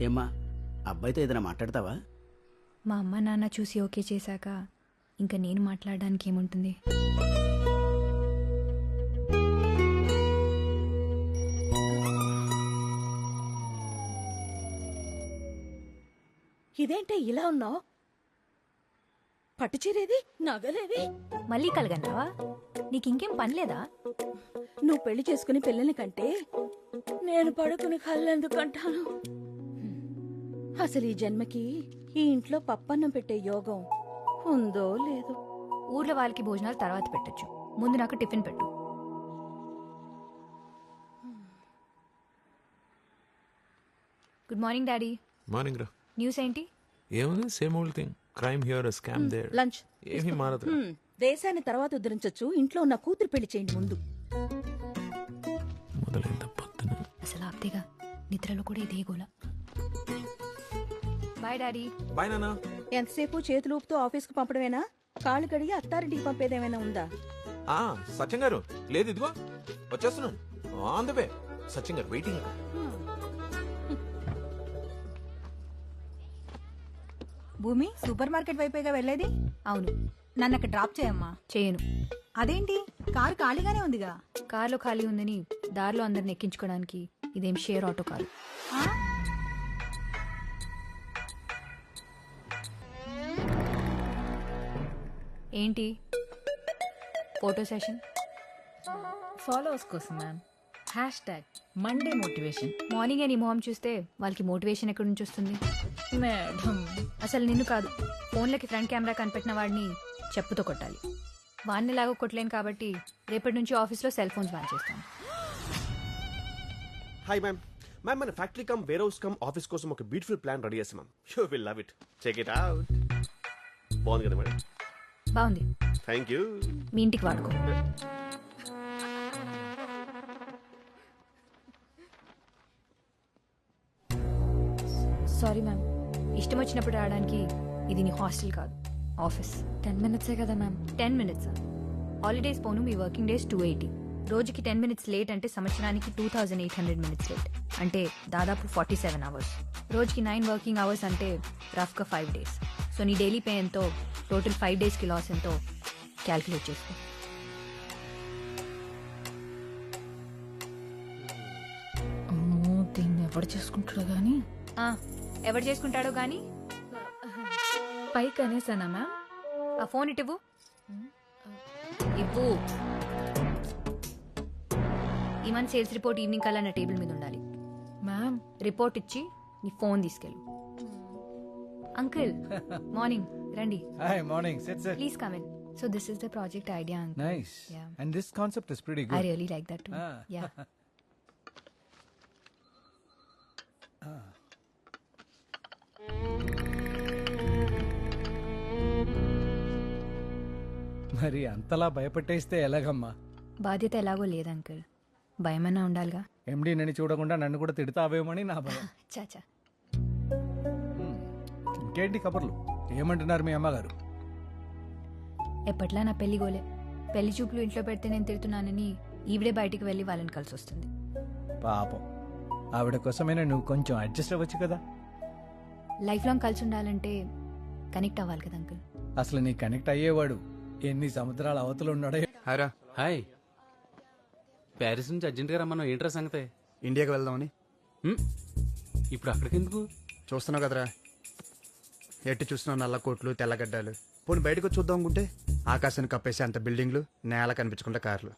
ఏమ్మా అబ్బాయితో ఏదైనా మాట్లాడతావా? మా అమ్మ నాన్న చూసి ఓకే చేశాక ఇంకా నేను మాట్లాడడానికి ఏముంటుంది? ఇదేంటే ఇలా ఉన్నావు? పట్టుచీరేది, నగలేవి? మళ్ళీ కలగన్నావా? నీకు ఇంకేం పని లేదా? నువ్వు పెళ్లి చేసుకుని పిల్లల్ని కంటే నేను పడుకుని కళ్ళెందుకంటాను? అసలు ఈ జన్మకి ఈ ఇంట్లో పప్పన్నం పెట్టే యోగం ఉందో లేదో. ఊర్లో వాళ్ళకి భోజనాలు తర్వాత పెట్టొచ్చు, ముందు నాకు టిఫిన్ పెట్టు. Good morning daddy. మార్నింగ్ రా. న్యూస్ ఏంటి? ఏముంది, same old thing. Crime here, scam there. Lunch ఏమీ మారదు. దేశాన్ని తర్వాత ఉద్ధరించొచ్చు, ఇంట్లో ఉన్న కూతురు పెళ్లి చేయండి ముందు. మొదలైంది పొద్దున. అసలు ఆప్తేగా, నిద్రలో కూడా ఇదే గోల. Bye daddy. బాయ్ నాన్న. ఎంతసేపు చేతులు ఊపుతూ ఆఫీస్కు పంపడమేనా? కాళ్ళు కడిగి అత్తారింటికి పంపేదేమైనా ఉందా? సత్యం గారు లేదు, ఇదిగో వచ్చేస్తున్నాను. On the way. సత్యం గారు వెయిటింగ్. భూమి, సూపర్ మార్కెట్ వైపేగా వెళ్ళేది? అవును. నన్ను అక్కడ డ్రాప్ చేయమ్మా. చేయను. అదేంటి, కారు ఖాళీగానే ఉందిగా? కార్లో ఖాళీ ఉందని దారిలో అందరిని ఎక్కించుకోవడానికి ఇదేం షేర్ ఆటో కాదు. ఆ? ఏంటి ఫోటో సెషన్? ఫాలోవర్స్ కోసం మ్యామ్. #Monday motivation. మార్నింగ్ నీ మొహం చూస్తే వాళ్ళకి మోటివేషన్ ఎక్కడి నుంచి వస్తుంది? మేడం, అసలు నిన్ను కాదు, ఫోన్లకి ఫ్రంట్ కెమెరా కనిపెట్టిన వాడిని చెప్పుతో కొట్టాలి. వాడిని లాగా కొట్టలేను కాబట్టి రేపటి నుంచి ఆఫీస్లో సెల్ ఫోన్స్ బ్యాన్ చేస్తాను. Hi ma'am. మ్యామ్, మన factory cum warehouse cum office కోసం ఒక బ్యూటిఫుల్ ప్లాన్ రెడీ చేసాం ma'am. You will love it. Check it out. బాగుంది కదా మేడం? బాగుంది. Thank you. మీ ఇంటికి వాడుకో. సారీ మ్యామ్, ఇష్టం వచ్చినప్పుడు రావడానికి ఇది నీ హాస్టల్ కాదు, ఆఫీస్. 10 minutes కదా మ్యామ్. 10 minutes. హాలిడేస్ పోను మీ వర్కింగ్ డేస్ 280. రోజుకి 10 minutes లేట్ అంటే సంవత్సరానికి 2800 minutes లేట్, అంటే దాదాపు 47 hours. రోజుకి 9 వర్కింగ్ అవర్స్ అంటే రఫ్గా 5 days. సో నీ డైలీ పే ఎంతో, టోటల్ 5 daysకి లాస్ ఎంతో క్యాల్కులేట్ చేసుకో. అమ్మో, దీన్ని ఎవరు చేసుకుంటాడో గానీ. ఎవరు చేసుకుంటాడో గానీ పైకి అనేసానా మ్యామ్? ఆ ఫోన్ ఇవ్వు. ఇవ్వు. ఈ మంత్ సేల్స్ రిపోర్ట్ ఈవినింగ్ కల్లా నా టేబుల్ మీద ఉండాలి. మ్యామ్, రిపోర్ట్ ఇచ్చి నీ ఫోన్ తీసుకెళ్ళు. అంకుల్ మార్నింగ్ రండి. Hi, morning. Sit. Please come in. So this is the project idea uncle. Nice. Yeah. And this concept is pretty I good. Really like that too. Ah. Yeah. మరి అంతలా భయపెట్టేస్తే ఎలాగమ్మా? బాధ్యత ఎలాగో లేదు uncle, భయమన్నా ఉండాలిగా. ఎండి నన్ను చూడకుండా నన్ను కూడా తిడతావేమని నా భయం. చాచా. ఇంకేంటి కబుర్లు? ఏమంటున్నారు మీ అమ్మగారు? ఎప్పట్లా నా పెళ్లి గోలే. పెళ్లి చూపులు ఇంట్లో పెడితే నేను తిడుతున్నానని ఈవిడే బయటికి వెళ్ళి వాళ్ళని కలిసి వస్తుంది. పాపం, ఆవిడ కోసమైనా నువ్వు కొంచెం అడ్జస్ట్ అవ్వచ్చు కదా. లైఫ్ లాంగ్ కలిసి ఉండాలంటే కనెక్ట్ అవ్వాలి కదా అంకుల్. అసలు నీ కనెక్ట్ అయ్యేవాడు ఎన్ని సముద్రాల అవతలు ఉన్నాడో. హాయ్రా. హాయ్. ప్యారిస్ నుంచి అర్జెంట్గా రమ్మన్నావు, ఏంట్రా సంగతే? ఇండియాకి వెళ్దామని. ఇప్పుడు అక్కడికి ఎందుకు? చూస్తున్నావు కదరా, ఎట్టి చూస్తున్నావు నల్ల కోట్లు తెల్లగడ్డలు. పోనీ బయటకు వచ్చి చూద్దాం అనుకుంటే ఆకాశాన్ని కప్పేసి అంత బిల్డింగ్లు, నేల కనిపించకుండా కార్లు.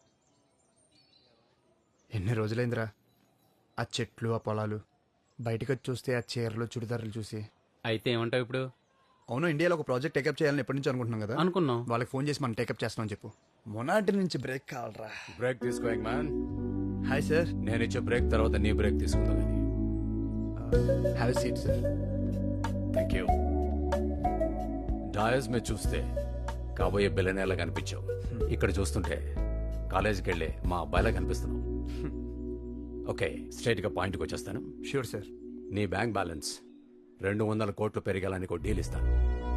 ఎన్ని రోజులైందిరా ఆ చెట్లు, ఆ పొలాలు. బయటకు వచ్చి చూస్తే ఆ చీరలు, చుడిదారులు చూసి. అయితే ఏమంటావు ఇప్పుడు? అవును, ఇండియాలో ఒక ప్రాజెక్ట్ టేకప్ చేయాలని ఎప్పటి నుంచి అనుకుంటున్నాం కదా. అనుకున్నాం. వాళ్ళకి ఫోన్ చేసి మనం టేకప్ చేస్తామని చెప్పు. మొనాటి నుంచి బ్రేక్ కావాలరా. బ్రేక్ తీసుకో మ్యాన్. Hi sir. నేను ఇచ్చే బ్రేక్ తర్వాత నీ బ్రేక్ తీసుకుందా కానీ. Have a seat sir. Thank you. Dais మీద చూస్తే కాబోయే బిల్లనేలా కనిపించావు, ఇక్కడ చూస్తుంటే కాలేజీకి వెళ్ళే మా అబ్బాయిలా కనిపిస్తున్నావు. ఓకే, స్ట్రైట్గా పాయింట్కి వచ్చేస్తాను. Sure sir. నీ బ్యాంక్ బ్యాలెన్స్ 200 కోట్లు పెరిగాలని ఒక డీల్ ఇస్తాను.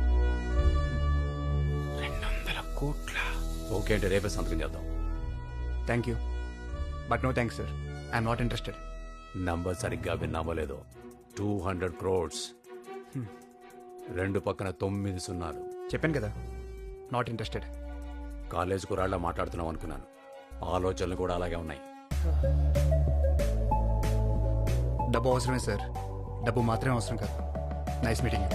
200 కోట్ల? ఓకే అంటే రేపే సంతకం చేద్దాం. Thank you but no thanks sir. I'm not interested. Number సరిగ్గా విన్నామో లేదో, 200 crores. రెండు పక్కన 9 సున్నాలు. చెప్పాను కదా, నాట్ ఇంట్రెస్టెడ్. కాలేజ్ కురాళ్ళ మాట్లాడుతున్నాం అనుకున్నాను. ఆలోచనలు కూడా అలాగే ఉన్నాయి. డబ్బు అవసరమే సార్, డబ్బు మాత్రమే అవసరం కాదు. Nice meeting.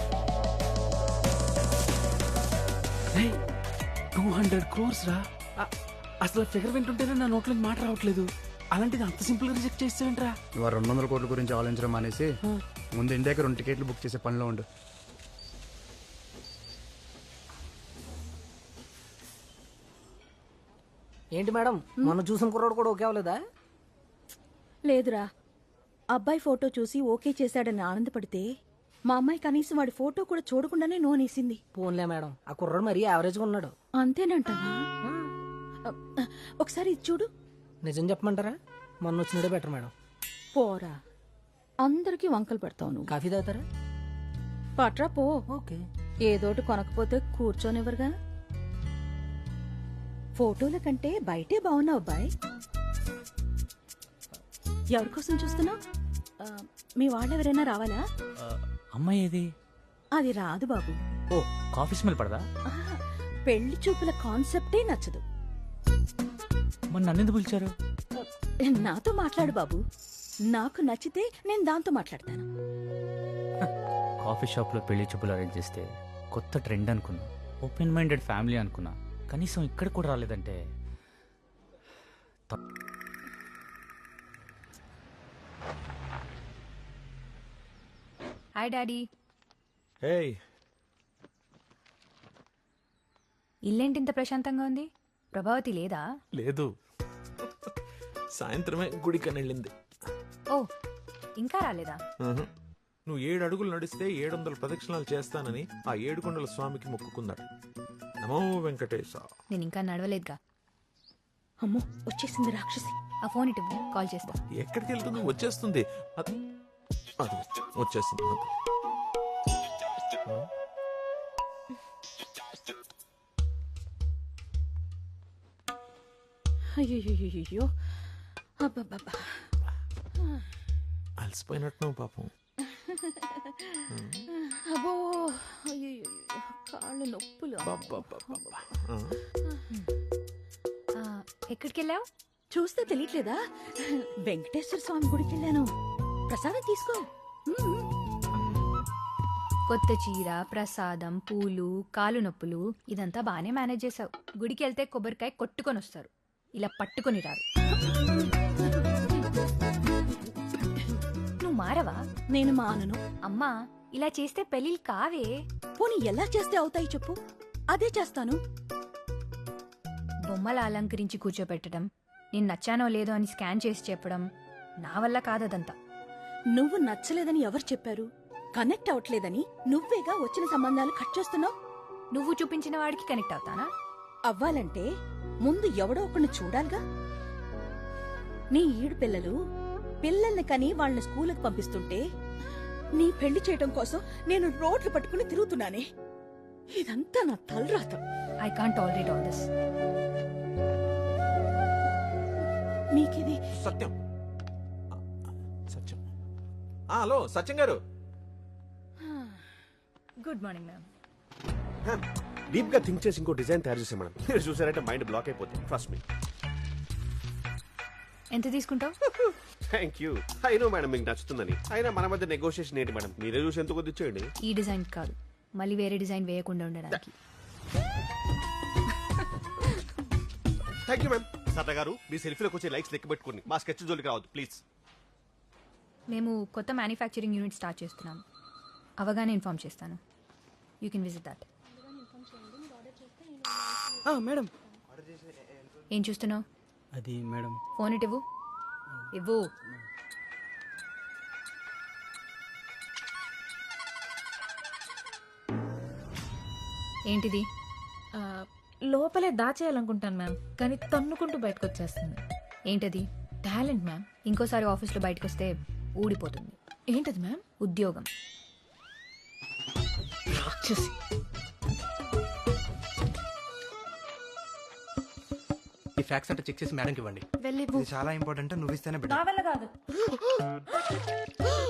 200 crores రా. అసలు ఫిగర్ వింటుంటేనే నా నోట్లోకి మాట రావట్లేదు. అలాంటిది అంత సింపుల్ గా రిజెక్ట్ చేసేవేంట్రా? నువ్వు 200 కోట్ల గురించి ఆలోచించడం మానేసి ముందు ఇండియాకి 2 టికెట్లు బుక్ చేసే పనిలో ఉండు. ఏంటి మేడం, మొన్న చూసిన కుర్రాడు కూడా ఓకే అవ్వలేదా? లేదురా, అబ్బాయి ఫోటో చూసి ఓకే చేశాడని ఆనందపడితే మా అమ్మాయి కనీసం వాడి ఫోటో కూడా చూడకుండానే నోనేసింది. పోన్లే మేడం, ఆ కుర్రాడు మరీ యావరేజ్ గా ఉన్నాడు. అంతేనంటావా? ఒకసారి ఇది చూడు. నిజం చెప్పమంటారా? మొన్న వచ్చినడే బెటర్ మేడం. పోరా, అందరికీ వంకలు పెడతావు నువ్వు. కాఫీ తాగుతారా? పట్రా పో. ఓకే. ఏదోటి కొనకపోతే కూర్చోనివ్వరుగా. ఫోటోల కంటే బయటే బాగున్నావు అబ్బాయి. ఎవరి కోసం చూస్తున్నావు? మీ వాళ్ళు ఎవరైనా రావాలా? అమ్మాయి ఏది? అది రాదు బాబు. ఓ, కాఫీ స్మెల్ పడదా? ఆహా, పెళ్లి చూపుల కాన్సెప్టే నచ్చదు. మరి నన్ను ఎందుకు పిలిచారు? నాతో మాట్లాడు బాబు. నాకు నచ్చితే నేను దాంతో మాట్లాడతాను. కాఫీ షాప్లో పెళ్లి చూపులు అరేంజ్ చేస్తే కొత్త ట్రెండ్ అనుకున్నా. ఓపెన్ మైండెడ్ ఫ్యామిలీ అనుకున్నా. కనీసం ఇక్కడ కూడా రాలేదంటే హాయ్ డాడీ. హే, ఇల్లేంటి ఇంత ప్రశాంతంగా ఉంది? ప్రభావతి లేదా? లేదు, సాయంత్రమే గుడికని వెళ్ళింది. ఓ, ఇంకా రాలేదా? నువ్వు 7 అడుగులు నడిస్తే 700 ప్రదక్షిణాలు చేస్తానని ఆ 7 కొండల స్వామికి మొక్కుకున్నాడు. నమో వెంకటేశ. నేను ఇంకా నడవలేదుగా. అమ్మో, వచ్చేసింది రాక్షసి. ఆ ఫోన్ ఇటు కాల్ చేస్తా. ఎక్కడికి వెళ్తుంది? వచ్చేస్తుంది. అది వచ్చేస్తుంది. అయ్యో, అబ్బబ్బబ్బా, అలసిపోయినట్టు పాపం. అబ్బో, అయ్యో, కాళ్ళు నొప్పులు. ఎక్కడికి వెళ్ళావు? చూస్తే తెలియట్లేదా? వెంకటేశ్వర స్వామి గుడికి వెళ్ళాను. ప్రసాదం తీసుకో. కొత్త చీర, ప్రసాదం, పూలు, కాలు నొప్పులు ఇదంతా బానే మేనేజ్ చేసావు. గుడికి వెళ్తే కొబ్బరికాయ కొట్టుకొని వస్తారు, ఇలా పట్టుకొని రారు. నువ్వు మారవా? నేను మానను. అమ్మా, ఇలా చేస్తే పెళ్ళిళ్ళు కావే. పోనీ ఎలా చేస్తే అవుతాయి చెప్పు, అదే చేస్తాను. బొమ్మల అలంకరించి కూర్చోపెట్టడం, నేను నచ్చానో లేదో అని స్కాన్ చేసి చెప్పడం నా వల్ల కాదదంతా. నువ్వు నచ్చలేదని ఎవరు చెప్పారు? కనెక్ట్ అవట్లేదని నువ్వేగా వచ్చిన సంబంధాలు కట్ చేస్తున్నావు. నువ్వు చూపించిన వాడికి కనెక్ట్ అవుతానా? అవ్వాలంటే ముందు ఎవడో ఒకరిని చూడాలిగా. నీ ఈడు పిల్లల్ని కని వాళ్ళని స్కూలుకి పంపిస్తుంటే నీ పెళ్లి చేయడం కోసం నేను రోడ్లు పట్టుకుని తిరుగుతున్నానే. ఇదంతా నా తలరాత. I can't tolerate all this. మీకిది సత్యం. సత్యం. హలో సత్యం గారు. Good morning ma'am. డీప్ గా థింక్ చేసి ఇంకో డిజైన్ తయారు చేసాం మేడం. మీరు చూసారంటే మైండ్ బ్లాక్ అయిపోతుంది. Trust me. ఎంత తీసుకుంటావు? Thank you. అయినో మేడం మీకు నచ్చుతుందని. అయినా మన మధ్య నెగోషియేషన్ ఏంటి మేడం? మీరే చూసి ఎంత కొద్ది ఇచ్చేయండి. ఈ డిజైన్ కాదు, మళ్ళీ వేరే డిజైన్ వేయకుండా ఉండడానికి. Thank you ma'am. సరదా గారు, మీ సెల్ఫీలోకి వచ్చే లైక్స్ లెక్క పెట్టుకోండి. మా స్కెచ్ జోలికి రావద్దు ప్లీజ్. మేము కొత్త మ్యానుఫ్యాక్చరింగ్ యూనిట్ స్టార్ట్ చేస్తున్నాం. అవగానే ఇన్ఫార్మ్ చేస్తాను. You can visit that. Madam, ఏం చూస్తున్నావు? అది మేడం. ఫోన్ ఇటు ఇవ్వు. ఏంటిది? లోపలే దాచేయాలనుకుంటాను మ్యామ్, కానీ తన్నుకుంటూ బయటకు వచ్చేస్తుంది. ఏంటది? Talent ma'am. ఇంకోసారి ఆఫీస్లో బయటకు వస్తే ఊడిపోతుంది. ఏంటది మ్యామ్? ఉద్యోగం. రాక్షసి. ఈ ఫ్యాక్స్ అంటే చెక్ చేసి మేడంకి ఇవ్వండి. వెళ్ళి ఇది చాలా ఇంపార్టెంట్. నువ్వు ఇస్తేనే నా వల్ల కాదు.